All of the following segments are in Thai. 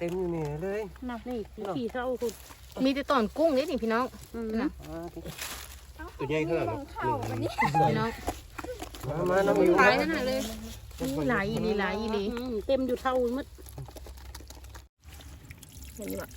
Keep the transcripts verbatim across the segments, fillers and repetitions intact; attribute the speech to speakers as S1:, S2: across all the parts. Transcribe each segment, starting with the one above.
S1: ต็มอยู่นี่เลย
S2: นับนี่ขี่เท่าคุณ
S3: มีแต่ตอนกุ้งนี่นี่พี่น้องนะ
S1: ตัวใหญ่ขนาดนี้
S3: พี่น้อง
S1: มามาน้องมิว
S3: หลายนั่นเลยนี่หลายอีหลีหลายอีหลี
S2: เต็มอยู่เท่ามัด
S3: เห็นไหม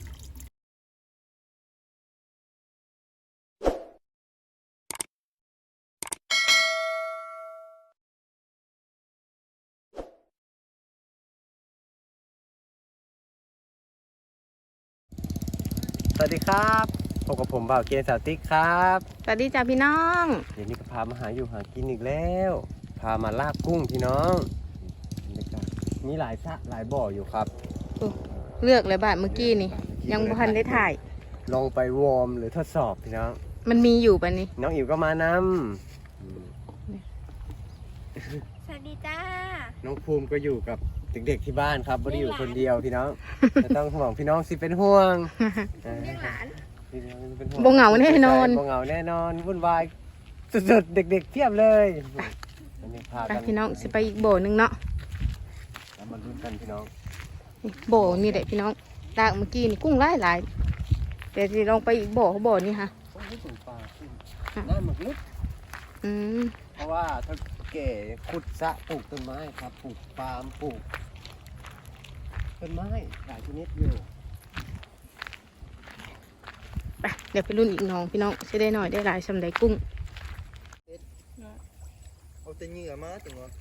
S1: สวัสดีครับพบกับผมบ่าวเกณฑ์สาวติ๊กครับ
S3: สวัสดีจ้าพี่น้อง
S1: เดี๋ยวนี้ก็พามาหาอยู่หากินอีกแล้วพามาลาบกุ้งพี่น้องมีหลายสระหลายบ่ออยู่ครับ
S3: เลือกเลยบ้านเมื่อกี้นี่ยังบ่ทันได้ถ่าย
S1: ลองไปวอร์มหรือทดสอบพี่น้อง
S3: มันมีอยู่ป่ะนี่
S1: น้องอิ๋วก็มาน
S4: ำสวัสดีจ้า
S1: น้องภูมิก็อยู่กับเด็กๆที่บ้านครับไม่ได้อยู่คนเดียวพี่น้องจะต้องห่วงพี่น้องสิเป็นห่วง
S4: เลี้ยงหลาน
S3: บ่เหงาแน่นอน
S1: บ่เหงาแน่นอนวุ่นวายสุดๆเด็กๆเทียบเลยวันนี้พากัน
S3: พี่น้องสิไปอีกบ่อนึงเนาะ
S1: แล้วมาลุ้นกันพี่น้อง
S3: บ่อนี่แหละพี่น้องตากเมื่อกี้นี่กุ้งหลายหลายแต่ที่ลองไปอีกบ่อเขาบ่อนี่ค่ะ
S1: น้ำหมึกลึก
S3: อืม
S1: เพราะว่าถ้าเก๋ขุดสระปลูกต้นไม้ครับปลูกปาล์มปลูกต้นไม้หลายชนิดอยู่
S3: ไปเดี๋ยวไปรุ่นอีกน้องพี่น้องจะได้หน่อยได้หลายสำหรับกุ้ง
S1: เอาแต่เหงื่อมาถึงวะ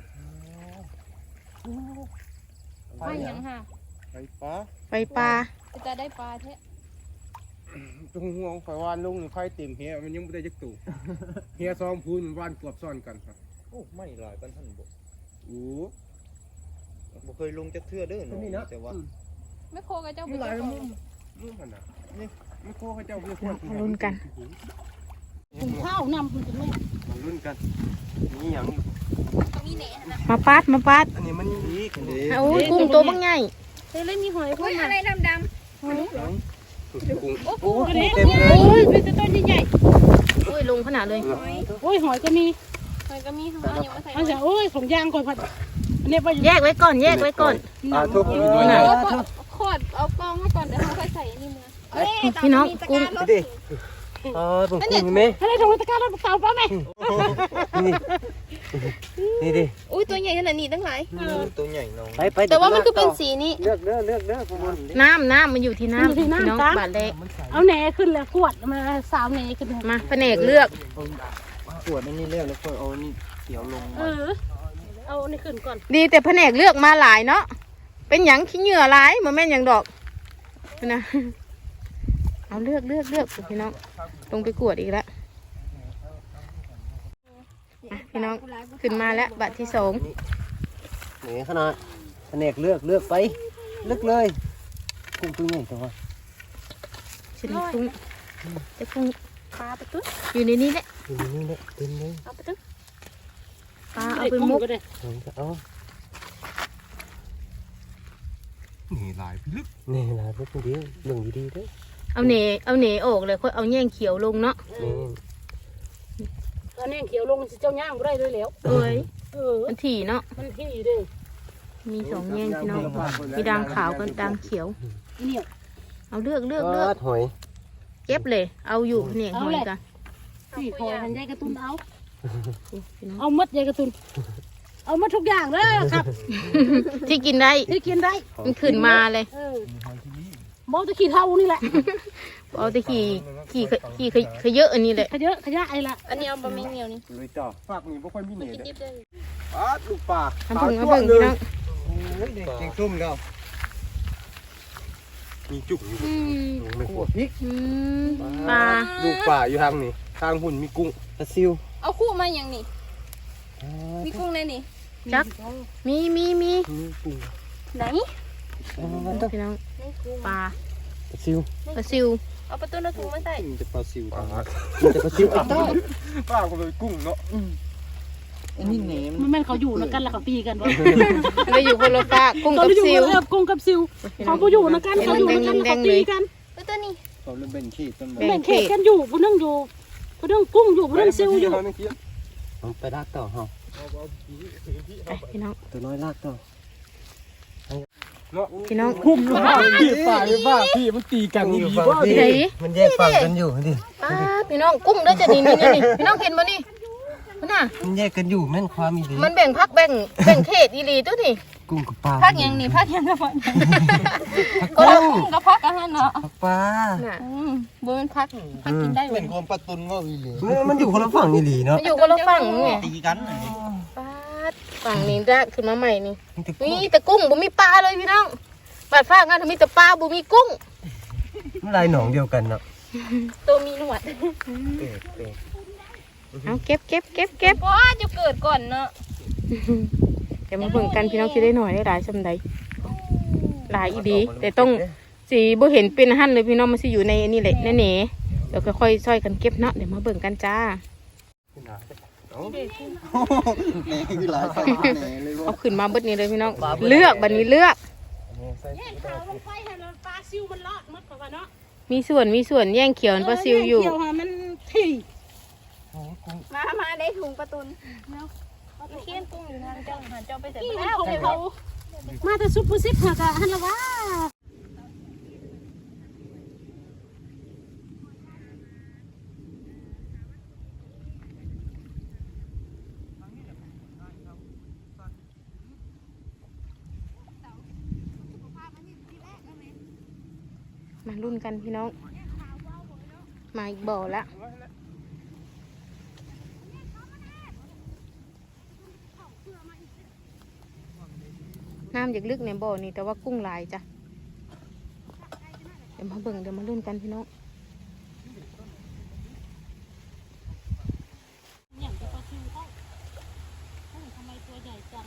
S4: ไปยังค่ะ
S1: ไปปลา
S3: ไปปลา
S4: จะได้ปลาแท้
S5: ตรงห่วงไฟวานลุงไฟเต็มเฮียมันยังไม่ได้จักตู่เฮียซ้อมพูนวานกวบซ้อนกันครับ
S1: โอ้ไม่หลายกันท่านบอก
S5: โอ้
S1: บ่เคยลงจะเทื่อเด้อนี่นะแต่ว่า
S4: ไม่โคกับเจ้า
S5: ไม่หลายมึงมึงขนาดนี่ไม่โคให้เจ้าเพื่อน
S3: ลุ้นกัน
S2: ถุงข้าวนำคุณจะไม่
S1: มาลุ้นกันนี่อย่าง
S4: มีแหนนะ
S3: มาปัดมาปัด
S1: อันนี้มันดีกันดี
S3: โอ้ยกุ้งตัวบางใหญ่
S4: เฮ้ยเล่นมีหอยพวกอะไรดำดำ
S1: กุ้ง
S2: โอ้ยเต็มเลยโอ้ยเป็นต้นใหญ่
S3: โอ้ยลงขนาดเลย
S2: โอ้ยหอยก็มี
S4: หอยก็มีของเรายังไม่ใส่
S2: เอาโอ้ยของยางก่อนผัดเนี่ยไป
S3: แยกไว้ก่อนแยกไว้ก่อน
S1: อ่าทุก
S4: ไหนขอดเอากองให้ก่อนเดี๋ยวเขาค่อยใส่นี่มือ
S3: พี่น้องกุ้ง
S1: ดิเออผมกุ้งไหม
S2: อะไรตรงตะการรถเต่าป่ะแม่
S1: นี่นี่ดิ
S4: อุ้ยตัวใหญ่ขนาดนี้ตั้งหลาย
S1: ตัวใหญ่น้องไปไป
S4: แต่ว่ามันก็เป็นสีนี้
S1: เลือกเลือกเลือกเลือก
S3: น้ำน้ำมันอยู่ที่น้ำพี่น้องบาดเละ
S2: เอาแหนขึ้นแล้วขวดมาสาวแหนขึ้น
S3: มาแผนกเลือก
S1: ขวดนี่เลือกแล้วก็เอานี่เขียวลง
S2: เออเอานี่ขึ้นก่อน
S3: ดีแต่แผนกเลือกมาหลายเนาะเป็นหยังขี้เหงื่อหลายมันแม่นหยังดอกนะเอาเลือกเลือกเลือกพี่น้องลงไปกวดอีกแล้วพี่น้องขึ้นมาแล้วบัตรที่สอง
S1: นี่ขนาดแผนกเลือกเลือกไปเลือกเลยกุ้งตัวใหญ่ตัว
S3: ชิ้นกุ้งจะกุ้ง
S4: ปลาไปตุ้
S3: อยู่ในนี้แหละ
S1: อยู่ในนี้แหละเต็มเลย
S4: เอาไปตุ้
S3: ปลาเอาไปมุก
S1: เอา
S5: นี่ลายลึก
S1: นี่ลายลึกดีเรื่องดีๆด้วย
S3: เอาเหนเอาเหนออกเลยค่อยเอาแย่งเขียวลงเนาะ
S2: เอาแย่งเขียวลงเจ้าย่างได้ด้วยแล้ว
S3: เอ้ย
S2: เออ
S3: มันถี่เนาะ
S2: มันถี่เด้
S3: มีสองแย่งพี่น้องมีด่างขาวกับด่างเขียว
S2: เนี่ย
S3: เอาเลือกเลือกเลือก
S1: หอย
S3: เก็บเลยเอาอยู่เนี่ยหอยกัน
S2: สี่หอยมันใหญ่กระตุ้นเอาเอามัดใหญ่กระตุ้นเอามาทุกอย่างเลยครับ
S3: ที่กินได้
S2: ที่กินได้
S3: มันขึ้นมาเลย
S2: บอตะขี่เท่านี่แหละ
S3: บอตะขี่ขี่ขี่ขยเยอะอันนี้แหละ
S2: ขยเยอะขยะไอ้ละ
S4: อันนี้เอาบะหมี่เหนียวนี่
S5: เลยจ่อฝากนี่บ่ค่อยมีเหนียว
S4: เด้อ
S5: อ้าลูกปลา
S3: ทำผึ่งทำผึ่งพี่น้อง
S1: เก่งซุ่มแล้ว
S5: มีจุก
S1: ไม่ขวดพริก
S3: ปลา
S5: ลูกปลาอยู่ทางนี้ทางหุ่นมีกุ้ง
S1: ปลาซิว
S4: เอาคู่มาอย่างนี้มีกุ้งในนี่
S3: จักมีมีมี
S4: ไหน
S3: พี่น้องปลา
S1: ปลาซิว
S3: ปลาซิว
S4: เอาประตูน้ำถุงมาใส่
S1: จะปลาซิวจะปลาซิวไอ้ต้า
S5: ป้าก็เลยกุ้งเนาะ
S1: อันนี้แหนม
S2: มันแม่นเขาอยู่นะกันแล้วเขาตีกันวะ
S3: เราอยู่คนละปลากุ้งกับซิว
S2: กุ้งกับซิวเขาก็อยู่นะกันเขาอยู่นะกันเขาตีกัน
S4: ตัวนี้
S5: เขาเริ่มแบ่งขี้ต้น
S2: แบ่งเขตกันอยู่ผู้นึงอยู่ผู้นึงกุ้งอยู่ผู้นึงซิวอยู่
S1: ไปลากต่อฮะ
S3: พี่น้อง
S1: ตัวน้อยลากต่อ
S5: เนาะ
S3: พี่น้อง
S5: พุ่มอยู่บ้าพี่ป่าอยู่บ้าพี่มันตีกัน
S1: อ
S5: นี่
S1: ยู่
S5: ดี
S1: ฝั่ง
S5: บ้า
S1: พี่
S3: ไหน
S1: มันแยกฝั่งกันอยู่ดิ
S3: ป้าพี่น้องกุ้งเด้อจะนี่นี่นี่นี่พี่น้องเห็นบ่นี่มันน่ะ
S1: มันแยกกันอยู่แม่นความอีหลี
S3: มันแบ่งพักแบ่งแบ่งเขตอีหลีตัวนี่
S1: กุ้งกับปลา
S4: พักยังนี่พักยังกระเพาะ
S1: ก็
S4: กุ้งกระเพาะกันเนาะ
S1: ปลา
S3: น่ะ
S4: อืมบ่เป็นพักพักกินได้
S5: เป็นความประตุนว่าอีหลี
S1: มันอยู่คนละฝั่งอีหลีเนาะ
S3: มันอยู่คนละฝั่งไง
S5: ตีกัน
S3: ป้าดฝั่งนี้รากขึ้นมาใหม่นี่
S1: มันจะ
S3: มีแต่กุ้งบ่มีปลาเลยพี่น้องบาดฟ้างานมีแต่ปลาบ่มีกุ้ง
S1: มันลายหนองเดียวกันเนาะ
S4: ตัวมีหนวด
S1: เป๊ะเป๊ะ
S3: เอาเก็บเก็บเก็บเก็บ
S4: ว้าจะเกิดก่อนเนาะ
S3: เดี๋ยวมาเบิ่งกันพี่น้องคิดได้หน่อยได้หลายซำใดหลายอีดีแต่ต้องสีบ่เห็นเป็นหั่นเลยพี่น้องมันสิอยู่ในนี่แหละแน่ๆเดี๋ยวค่อยๆช่วยกันเก็บเนาะเดี๋ยวมาเบิ่งกันจ้า
S5: แหน่คือหลายใส่แหน่เลยว่า
S3: เอาขึ้นมาเบิดนี้เลยพี่น้องเลือกบัดนี้เลือก
S2: แย่งข่าวลงไปให้เราปลาซิวมันรอดหมดเพราะว่าเนาะ
S3: มีส่วนมีส่วนแย่งเขียวปลาซิวอยู่
S2: เกี่ยวหามันถี่
S4: มามาได้ถุงประตุนเนาะเขียนกุ้งอยู่ทางเจ้าหาเจ้าไปเสร็จ
S2: ที่
S4: แล้ว
S2: เขาเขามาแต่ซุปเปอร์ซิปหากะฮันละว่า
S3: มารุ่นกันพี่น้องมาอีกบ่อละน้ำอยากลึกในบ่อนี่แต่ว่ากุ้งหลายจ้ะเดี๋ยวมาเบิ่งเดี๋ยวมารุ่นกันพี่น้อง
S2: อย่างปลาซิวเขาทำไมตัวใหญ่จัง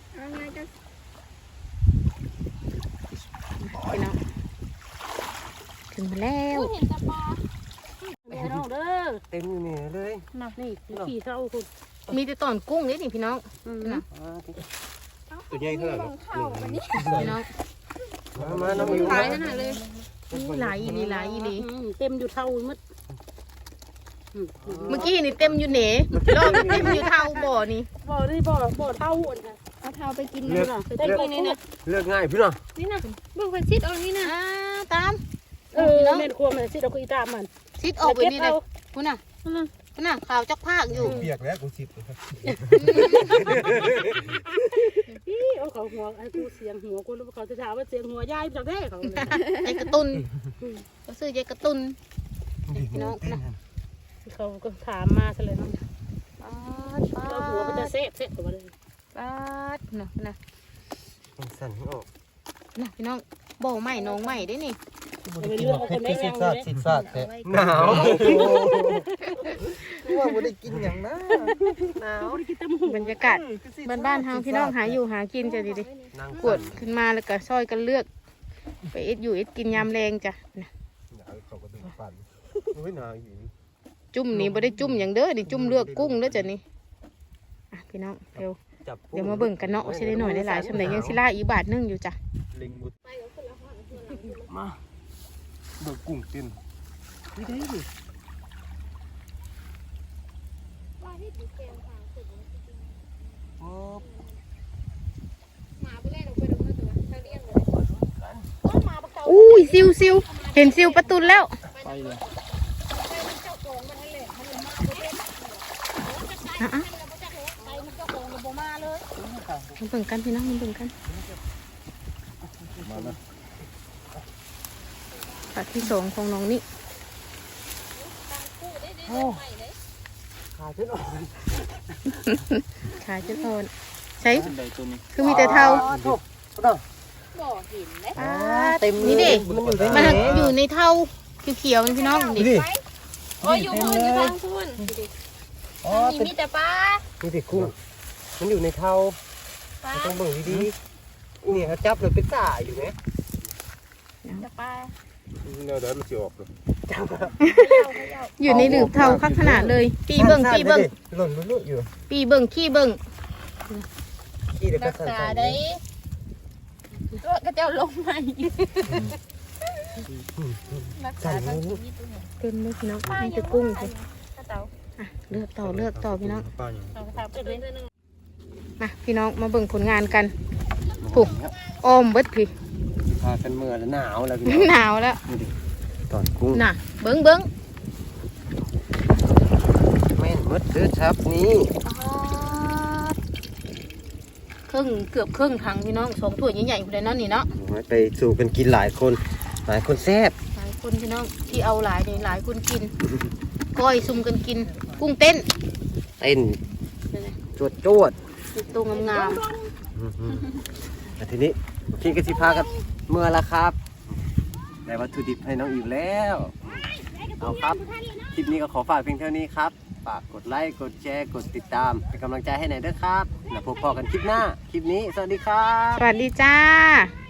S3: พี่น้องถึงมาแล้ว
S4: เห็นแต่ปลา
S2: เดี๋ยวน้องเด้อ
S1: เต็มอยู่นี่เลย
S2: นับนี่ขี่เท่าคุณ
S3: มีแต่ตอนกุ้งนี่นี่พี่น้องนะ
S5: ตัวใหญ่เท่าไหร่
S4: เข้าวันนี้
S3: พี่น้อง
S1: มามาน้องอยู่
S3: หลายขนาดเลยนี่หลายอีหลีหลายอีหลี
S2: เต็มอยู่เท่ามืด
S3: เมื่อกี้นี่เต็มอยู่เหนรอบเต็มอยู่เท่าบ่อนี่
S2: บ่ได้บ่บ่เท่าอ่ะค่ะ
S4: เอาเท้าไปกิน
S1: เลือก
S2: ได้กินนี่นะ
S1: เลือกง่ายพี่น้อง
S4: นี่นะเบิ่งไฟซิดเอานี่นะ
S3: อ่าตาม
S2: เออเม่นครัวมันสิเราคุยตามมัน
S3: ซิดออกไปนี่เลยคุณน่ะคุณน่ะข่าวจักภาคอยู่
S5: เปียกแล้วกูสิบ
S2: พี่เอาเขาหัวไอ้กูเสียงหัวกูรู้เขาจะถามว่าเสียงหัวยายจากแท้เขา
S3: ยายกระตุนก็ซื้อยายกระตุนพี่น้องนะ
S2: เขาก็ถามมาซะเลยเนาะ
S3: ป๊าดป๊า
S2: เราหัวมันจะ
S3: ด
S2: เซ่เซ่ตัวเลย
S3: ป๊าดนะนะ
S1: มันสั่นไม่ออก
S3: นะพี่น้องบ่อใหม่น้องใหม่ได้นี่
S2: ไปเลือกเอาคนได้ยังเลย
S1: สิซาดแต่หนาวว่าไม่ได้กินอย่างนั้นหนาว
S2: กินตำหู
S3: บรรยากาศบ้านบ้านๆเฮาพี่น้องหาอยู่หากินจ้ะดิดิ
S1: นาง
S3: กวดขึ้นมาแล้วก็ซอยกันเลือก ไปเอ็ดอยู่เอ็ดกินยามแรงจ้ะนะ
S5: หนาวเขาก็ดึงปั่นโอ้ยหนาวอยู่
S3: จุ่มนี่บ่ได้จุ่มอย่างเด้อนี่จุ่มเลือกกุ้งเด้อจ้ะนี่อ่ะพี่น้องเร็ว
S1: จับ
S3: เดี๋ยวมาเบิ่งกันเนาะว่าสิได้หน่อยได้หลายสำหรับยังสิล่าอีกบาทหนึงอยู่จ้ะ
S5: ลิงบุดมาเบิกกุ้งเต้น
S1: ไม่ได้ดิ โอ้
S4: หมาไปเล่นออกไปดูมาตัวเท่าเลี้ยงเลย
S3: อุ้ยซิวซิวเห็นซิวประตูแล้ว
S5: ไปเลย
S3: อ่ะอ่ะมาเบิ่งกันพี่น้องมาเบิ่งกัน
S5: มาแล้ว
S3: ปากที่สองของน้องนี่
S1: ขาขึ้นออก
S3: ขายจะทอนใช้
S5: ใดตัวนี้
S3: คือมีแต่เท่า
S1: ถูกต้อง
S4: บ่เห็นเลย
S3: อ่านี่ดิ
S1: มันอยู่ใน
S3: มัน
S1: นี้
S3: อยู่ในเท่าเขียวๆนี่พี่น้องดิ
S1: ดิ
S4: โอ้ยอยู่พุ่นอยู่ทางพุ่น
S1: อ๋อ
S4: มี
S1: เป็น
S4: มีแต่ปลา
S1: นี่ดิกุ้งมันอยู่ในเท้า
S4: ปลา
S1: ต้องเบิ่งดีๆนี่เขาจับเลยเป็นสายอยู่ไหม
S4: แต่ปลา
S5: เนื้อเดี๋ยวมันจะออกเลย
S3: อยู่ในหลืบเท่าคักขนาดเลย ปีเบิ่งปีเบิ่ง
S1: หล่นลุดอยู่
S3: ปีเบิ่งขี้เบิ่ง
S1: ขี้เดี๋ยวก็
S4: รัก
S1: สั่น
S4: ษา
S1: ๆ
S4: ได้ตัวกระเจ้าลงมารักษาทั้งชีวิตตัวเนี่ย
S3: เต็มเลยพี่น้อง
S4: ปลา
S3: นี่
S4: ยั
S3: คื
S4: ง
S3: อกุ้ง
S4: สิ
S3: สิ
S4: เต่า
S3: อ่ะเลือกต่อเลือกต่อพี่น้อง
S5: ปลาอย่าง
S2: เอาถามไปเลย
S3: มาพี่น้องมาเบิ่งผลงานกันผูกอ้อมเบิดพี่
S1: พากันเมื่อแล้วหนาวแล้วพี่น้
S3: หนาวแล้ว
S1: ดูดิตอนกุ้ง
S3: น่ะเบิ้งเบิ้ง
S1: แม่นหมดเด้อครับนี่
S3: ครึ่งเกือบครึ่งถังพี่น้องสองถ้วยใหญ่ๆเลยเนาะนี่เนาะ
S1: ไปสู่กันกินหลายคนหลายคนแซ่บ
S3: หลายคนพี่น้องที่เอาหลายนี่หลายคนกินก้อยซุ่มกันกินกุ้งเต้น
S1: เต้น
S3: นี่นะ
S1: จวดจวด
S3: ตัวงาม
S1: แต่ทีนี้พี่ก็สิพากันเมื่อละครับได้วัตถุดิบให้น้องอิวแล้วเอาครับคลิปนี้ก็ขอฝากเพียงเท่านี้ครับฝากกดไลค์กดแชร์กดติดตามเป็นกำลังใจให้หน่อยด้วยครับแล้วพบกันคลิปหน้าคลิปนี้สวัสดีครับ
S3: ๆสวัสดีจ้า